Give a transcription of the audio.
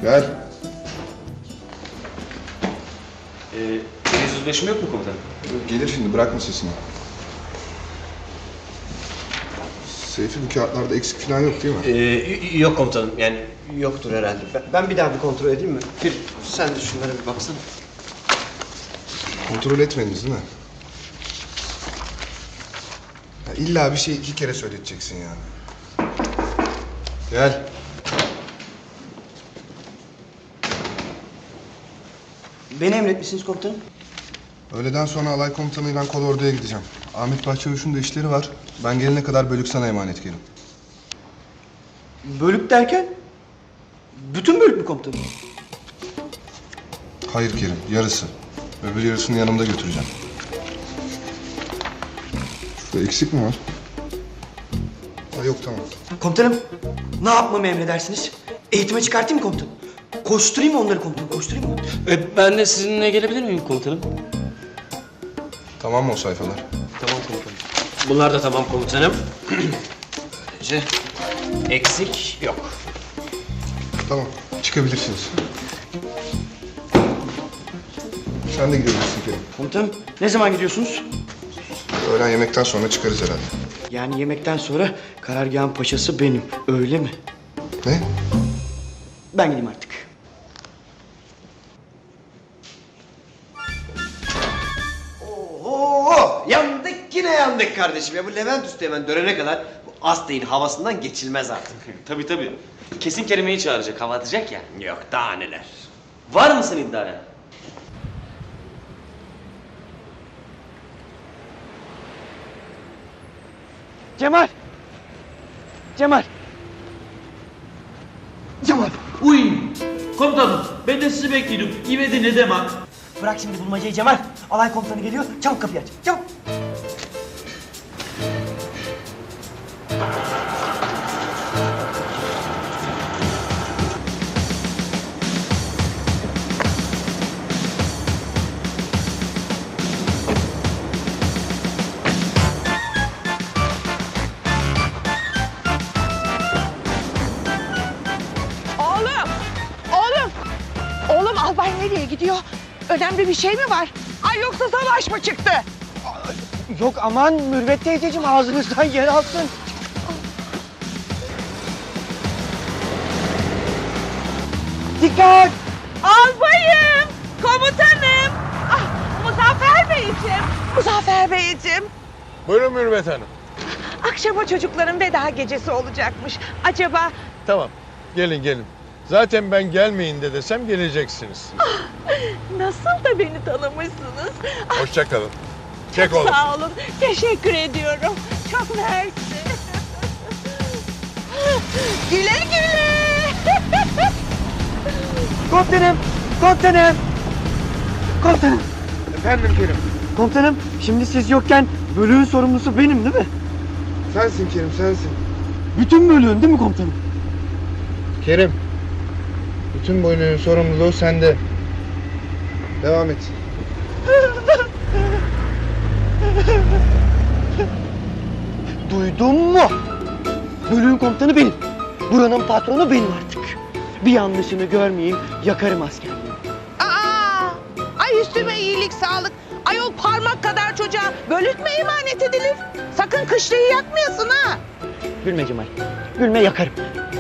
Gel. Deniz yüzleşme yok mu komutanım? Gelir şimdi, bırakma sesini. Seyfi, bu kağıtlarda eksik falan yok değil mi? Yok komutanım, yani yoktur herhalde. Ben bir daha bir kontrol edeyim mi? Bir, sen de şunlara bir baksana. Kontrol etmediniz değil mi? Ya illa bir şey 2 kere söyleteceksin yani. Gel. Beni emretmişsiniz komutanım. Öğleden sonra alay komutanıyla kolorduya gideceğim. Ahmet Bahçavuş'un da işleri var. Ben gelene kadar bölük sana emanet Kerim. Bölük derken? Bütün bölük mü komutanım? Hayır Kerim, yarısı. Öbür yarısını yanımda götüreceğim. Şurada eksik mi var? Ha, yok, tamam. Komutanım, ne yapmamı emredersiniz? Eğitime çıkartayım mı komutanım? Koşturayım mı onları komutanım, koşturayım mı? Ben de sizinle gelebilir miyim komutanım? Tamam mı o sayfalar? Tamam komutanım. Bunlar da tamam komutanım. Böylece eksik yok. Tamam, çıkabilirsiniz. Sen de gidebilirsin Kerim. Komutanım, ne zaman gidiyorsunuz? Öğlen yemekten sonra çıkarız herhalde. Yani yemekten sonra karargahın paşası benim, öyle mi? Ne? Ben gideyim artık. Oo, yandık yine yandık kardeşim ya. Bu Levent Üstü hemen dönene kadar bu Astey'in havasından geçilmez artık. Tabii. Kesin Kerime'yi çağıracak, hava atacak ya. Yok daha neler. Var mısın iddiaya? Cemal! Cemal! Cemal! Uy! Komutanım, ben de sizi bekliyordum. İvedi ne demek? Bırak şimdi bulmacayı Cemal. Alay komutanı geliyor. Çabuk kapıyı aç. Çabuk. Oğlum albay nereye gidiyor? Önemli bir şey mi var? Ay yoksa savaş mı çıktı? Yok aman Mürvet teyzeciğim ağzınızdan yer alsın. Dikkat! Albayım! Komutanım! Ah, Muzaffer Beyciğim! Muzaffer Beyciğim! Buyurun Mürvet Hanım. Akşama çocukların veda gecesi olacakmış. Acaba Tamam, gelin. Zaten ben gelmeyin de desem geleceksiniz. nasıl da beni tanımışsınız? Ah, Hoşça kalın. Çek oğlum. sağ olun. Teşekkür ediyorum. Çok mersi. Güle güle. Komutanım! Komutanım! Komutanım! Efendim Kerim. Komutanım şimdi siz yokken bölüğün sorumlusu benim değil mi? Sensin Kerim, sensin. Bütün bölüğün değil mi komutanım? Kerim. Bütün bölüğün sorumluluğu sende. Devam et. Duydun mu? Bölüğün komutanı benim. Buranın patronu benim artık. Bir yanlışını görmeyeyim, yakarım askerliği. Aa! Ay üstüme iyilik sağlık. Ayol parmak kadar çocuğa bölük mü emanet edilir? Sakın kışlayı yakmayasın ha. Gülme Cemal, gülme yakarım.